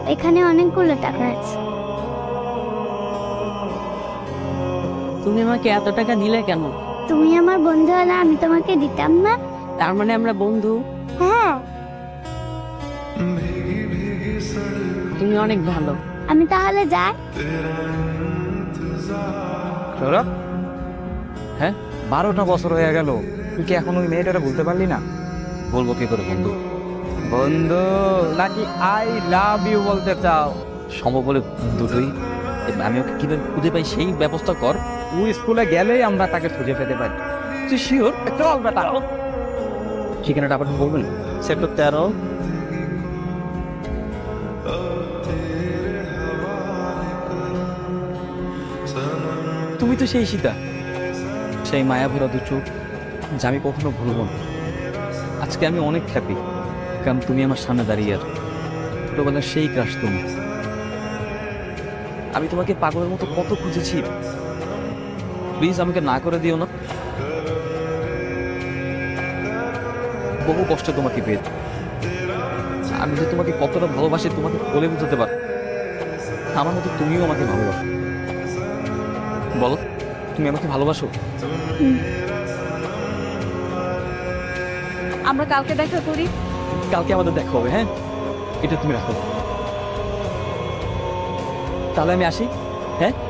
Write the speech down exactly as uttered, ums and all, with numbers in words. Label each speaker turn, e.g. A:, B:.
A: এখানে অনেকগুলো টাকা আছে।
B: তুমি আমাকে এত টাকা দিলে কেন?
A: তুমি আমার বন্ধু হলে আমি তোমাকে দিতাম না?
B: তার মানে আমরা বন্ধু?
A: হ্যাঁ।
B: তুমি অনেক ভালো।
A: আমি তাহলে যাই।
C: সৌরভ, হ্যাঁ বারোটা বছর হয়ে গেল, তুই কি এখন ওই মেয়েটারে বলতে পারলি না?
D: বলবো কি করে বন্ধু?
C: বন্ধু নাকি আই লাভ ইউ বলতে চাও?
D: সম্ভব বলে দুটোই। আমি ওকে কিভাবে খুঁজে পাই সেই ব্যবস্থা কর।
C: তুই স্কুলে গেলেই আমরা তাকে খুঁজে পেতে পারি। তুই শিওর? চল বেটা।
D: ঠিকানাটা আবার বলবেন?
C: সেক্টর তেরো।
D: তুমি তো সেই সীতা, সেই মায়া ভরা দু চোখ যা আমি কখনো ভুলব না। আজকে আমি অনেক হ্যাপি, কারণ তুমি আমার সামনে দাঁড়িয়ে আর ছোটবেলার সেই ক্রাশ তুমি। আমি তোমাকে পাগলের মতো কত খুঁজেছি, প্লিজ আমাকে না করে দিও না। বহু কষ্টে তোমাকে পেয়ে আমি যে তোমাকে কতটা ভালোবাসি তোমাকে বলে বুঝতে পার। আমার মতো তুমিও আমাকে ভালোবাসো। বলো, তুমি আমাকে ভালোবাসো?
E: আমরা কালকে দেখা করি।
D: কালকে আমাদের দেখা হবে, হ্যাঁ? এটা তুমি রাখো। তাহলে আমি আসি, হ্যাঁ?